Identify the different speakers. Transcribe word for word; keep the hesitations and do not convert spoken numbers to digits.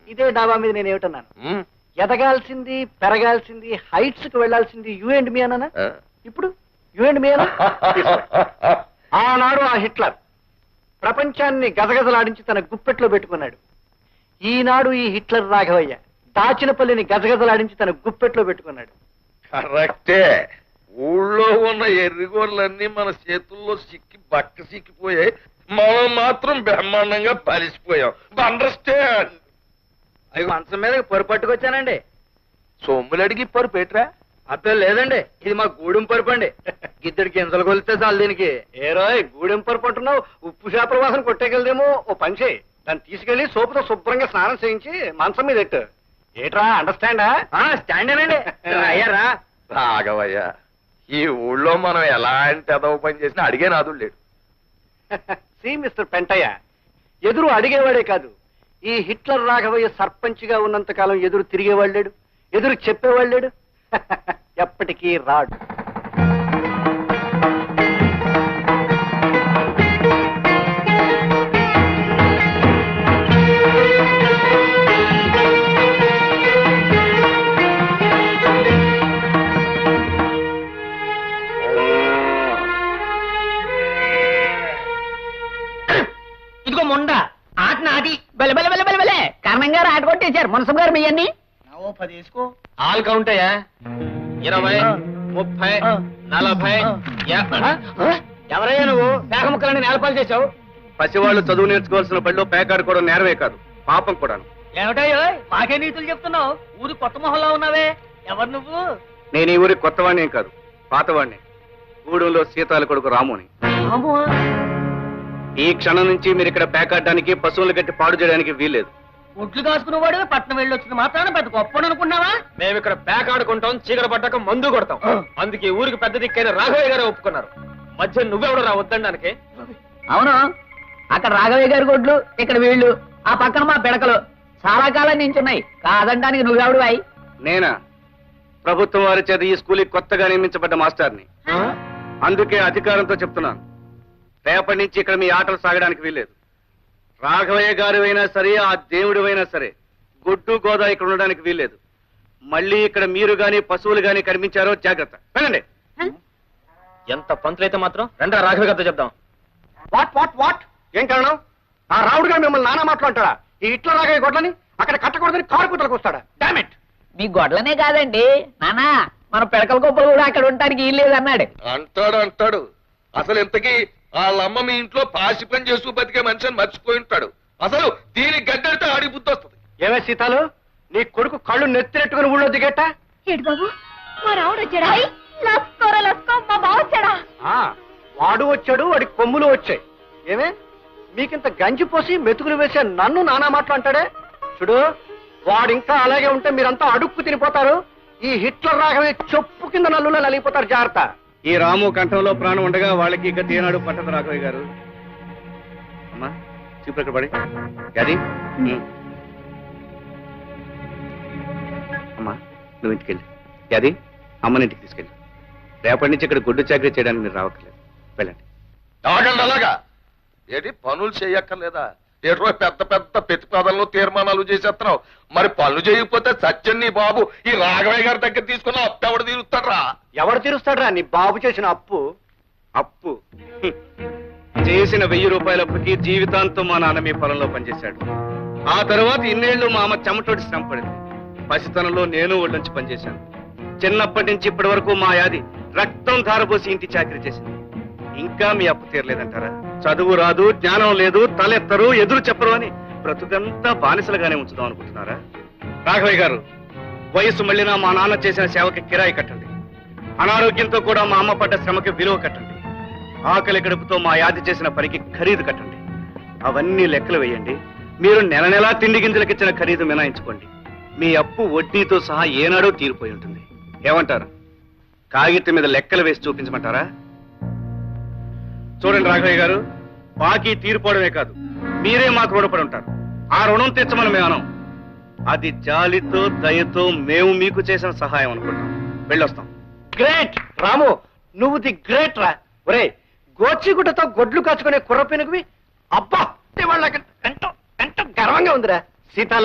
Speaker 1: ఇదే డాబా మీద నేను ఏమిటన్నాను? ఎదగాల్సింది, పెరగాల్సింది, హైట్స్ కు వెళ్లాల్సింది యూ అండ్ మీ అన్నానా? ఇప్పుడు యూ అండ్ మీ అన్నా? ఆనాడు ఆ హిట్లర్ ప్రపంచాన్ని గజగజలాడించి తన గుప్పెట్లో పెట్టుకున్నాడు. ఈనాడు ఈ హిట్లర్ రాఘవయ్య దాచినపల్లిని గజగజలాడించి తన గుప్పెట్లో పెట్టుకున్నాడు.
Speaker 2: కరెక్టే. ఊళ్ళో ఉన్న ఎర్రిగోళ్ళన్నీ మన చేతుల్లో సిక్కి బక్క సిక్కిపోయాయి. మనం మాత్రం బ్రహ్మాండంగా పలిసిపోయాం. అండర్స్టాండ్.
Speaker 1: అవి మంచం మీద పొరు పట్టుకొచ్చానండి.
Speaker 2: సొమ్ములు అడిగి పొరు పెట్టరా?
Speaker 1: అబ్బే లేదండి, ఇది మా గూడెం పరుపు అండి. గిద్దడికి ఇంతలు కొలితే చాలు దీనికి. ఏ రోయ్ గూడెం పరుపు అంటున్నావు, ఉప్పు చేపల వాసన కొట్టేకెళ్దేమో. ఓ పని చేయి, దాన్ని తీసుకెళ్లి సోపుతో శుభ్రంగా స్నానం చేయించి మంచం మీద ఎట్టు. ఏట్రా అండర్స్టాండా? స్టాండేనండి. అయ్యారా
Speaker 2: రాఘవయ్య, ఈ ఊళ్ళో మనం ఎలాంటి అదవ పని చేసినా అడిగే నాదుడు లేడు.
Speaker 1: సి మిస్టర్ పెంటయ్య, ఎదురు అడిగేవాడే కాదు, ఈ హిట్లర్ రాఘవయ్య సర్పంచ్ గా ఉన్నంత కాలం ఎదురు తిరిగేవాడు లేడు, ఎదురు చెప్పేవాడు లేడు. ఎప్పటికీ రాడు.
Speaker 3: ఇదిగో మొండ ఆట నాది. బెల బెల బెల బెల బెలే కర్ణం గారు ఆట కొట్టేశారు. మునసం గారు మీ అన్ని
Speaker 1: పది వేసుకో.
Speaker 3: ఆల్ కౌంట్ అయ్యా. ఇరవై, ముప్పై, నలభై.
Speaker 1: ఎవరయ్యా నువ్వు?
Speaker 3: పేక ముక్కలని నేలపాలు చేశావు.
Speaker 1: పసివాళ్ళు చదువు నేర్చుకోవాల్సిన బడిలో పేకాడుకోవడం నేరమే కాదు, పాపం కూడాను.
Speaker 3: ఏమిటయ్యో మాకే నీతులు చెప్తున్నావు? ఊరు కొత్త మొహంలో ఉన్నావే, ఎవరు నువ్వు?
Speaker 1: నేను ఈ ఊరి కొత్తవాణ్ణేం కాదు, పాతవాణ్ణి. గూడెంలో సీతాల కొడుకు రాముని. ఈ క్షణం నుంచి మీరు ఇక్కడ పేకాడడానికి, పశువులు కట్టి పాడు చేయడానికి వీల్లేదు.
Speaker 3: ఒడ్లు కాసుకునేవాడు పట్నం వెళ్ళి వచ్చిన మాత్రాన పెద్ద గొప్ప అనుకున్నావా?
Speaker 4: మేము ఇక్కడ పేకాడుకుంటాం, చీకటి పడ్డాక మందు కొడతాం. అందుకే ఊరికి పెద్ద దిక్కైన రాఘవయ్య గారే ఒప్పుకున్నారు. మధ్య నువ్వెవడు రా వద్దండానికి?
Speaker 3: అవును, అక్కడ రాఘవయ్య గారి గొడ్లు, ఇక్కడ వీళ్ళు, ఆ పక్కన మా పిడకలు చాలా కాలం నుంచి ఉన్నాయి. కాదంటానికి నువ్వెవడు అయి?
Speaker 1: నేనా? ప్రభుత్వం వారి చేత ఈ స్కూల్కి కొత్తగా నియమించబడ్డ మాస్టర్ని. అందుకే అధికారంతో చెప్తున్నాను, రేపటి నుంచి ఇక్కడ మీ ఆటలు సాగడానికి వీల్లేదు. రాఘవయ్య గారు అయినా సరే, ఆ దేవుడు అయినా సరే, గొడ్డు గోదా ఇక్కడ ఉండడానికి వీల్లేదు. మళ్ళీ ఇక్కడ మీరు గాని పశువులు గాని కనిపించారో జాగ్రత్త. వెళ్ళండి.
Speaker 4: ఎంత పంతులైతే మాత్రం రెండా రాఘవయ్య గారితో చెప్దాం.
Speaker 1: వాట్ వాట్ వాట్ ఏం కారణం? ఆ రావుడు గారు మిమ్మల్ని నానా మాట్లాడతాడా? ఈ ఇట్లా రాఘవయ్య గొడ్లని అక్కడ కట్టకూడదని కారు కుతలకు వస్తాడా? Damn it.
Speaker 3: మీ గొడ్లనే కాదండి నానా, మన పిడకల గొప్పలు కూడా అక్కడ ఉండడానికి వీల్లేదు అన్నాడు.
Speaker 2: అంటాడు అంటాడు అసలు ఇంతకీ వాళ్ళమ్మ మీ ఇంట్లో పాసి పని చేస్తూ బతికే మనిషిని మర్చిపోయి ఉంటాడు. అసలు దీనికి గడ్డడితే ఆడి బుద్ధి వస్తుంది.
Speaker 1: ఏమే సీతాలు, నీ కొడుకు కళ్ళు నెత్తినెట్టుకుని ఊళ్ళో దిగేట?
Speaker 5: ఏడు బాబు, మా రావుడు వచ్చాడా? లస్కోరా లస్కో, మా బావ వచ్చాడా?
Speaker 1: వాడు వచ్చాడు, వాడి కొమ్ములు వచ్చాయి. ఏమే మీకింత గంజి పోసి మెతుకులు వేసే నన్ను నానా మాట్లాంటాడే? చూడు, వాడు ఇంకా అలాగే ఉంటే మీరంతా అడుక్కు తినిపోతారు. ఈ హిట్లర్ రాఘవే చెప్పు కింద నల్లులో నలిగిపోతారు. జాగ్రత్త. ఈ రాము కంఠంలో ప్రాణం ఉండగా వాళ్ళకి ఇక తీనాడు పట్టదు రాఘవయ్య గారు. అమ్మా చూపు పడి అది అమ్మా, నువ్వు ఇంటికెళ్ళి అది అమ్మని ఇంటికి తీసుకెళ్ళి. రేపటి నుంచి ఇక్కడ గుడ్డు చాకరీ చేయడానికి మీరు రావట్లేదు. వెళ్ళండి.
Speaker 2: ఆగండి. అలాగా ఏంటి పనులు చేయక్కర్లేదా? ఏటో పెద్ద పెద్ద ప్రతిపాదనలు తీర్మానాలు చేసేస్తున్నావు. మరి పనులు చేయకపోతే సత్యం నీ బాబు ఈ రాఘవయ్య గారి దగ్గర తీసుకున్న అప్పు ఎవడు తీరుస్తాడ్రా?
Speaker 1: ఎవరు తీరుస్తాడ్రా నీ బాబు చేసిన అప్పు? అప్పు హ్మ్. చేసిన వెయ్యి రూపాయల అప్పుకి జీవితాంతం మా నాన్న మీ పొలంలో పనిచేశాడు. ఆ తర్వాత ఇన్నేళ్లు మా అమ్మ చెమటోటి శ్రమ పడింది. పసితనంలో నేను ఒళ్ళొంచి పనిచేశాను. చిన్నప్పటి నుంచి ఇప్పటి వరకు మా యాది రక్తం ధారపోసి ఇంటి చాకరీ చేసింది. ఇంకా మీ అప్పు తీరలేదంటారా? చదువు రాదు, జ్ఞానం లేదు, తలెత్తరు, ఎదురు చెప్పరు అని బ్రతుకంతా బానిసలుగానే ఉంచుదాం అనుకుంటున్నారా? రాఘవయ్య గారు, వయసు మళ్ళినా మా నాన్న చేసిన సేవకి కిరాయి కట్టండి. అనారోగ్యంతో కూడా మా అమ్మ పడ్డ శ్రమకి విలువ కట్టండి. ఆకలి గడుపుతో మా యాది చేసిన పనికి ఖరీదు కట్టండి. అవన్నీ లెక్కలు వేయండి. మీరు నెల నెలా తిండి గింజలకిచ్చిన ఖరీదు మినాయించుకోండి. మీ అప్పు వడ్డీతో సహా ఏనాడో తీరిపోయి ఉంటుంది. ఏమంటారు? కాగితం మీద లెక్కలు వేసి చూపించమంటారా? చూడండి రాఘవయ్య గారు, బాకీ తీరిపోవడమే కాదు, మీరే మాకు రుణపడి ఉంటారు. ఆ రుణం తెచ్చమని మేము అనం. అది జాలితో దయతో మేము మీకు చేసిన సహాయం అనుకుంటాం. వెళ్ళొస్తాం. గ్రేట్ రాము, నువ్వు ది గ్రేట్ రా. ఒరే, గోచిగుడ్డతో గొడ్లు కాచుకునే కుర్ర పెనుగువి. అబ్బా, వాళ్ళకి ఎంతో ఎంతో గర్వంగా ఉందిరా. సీతాలు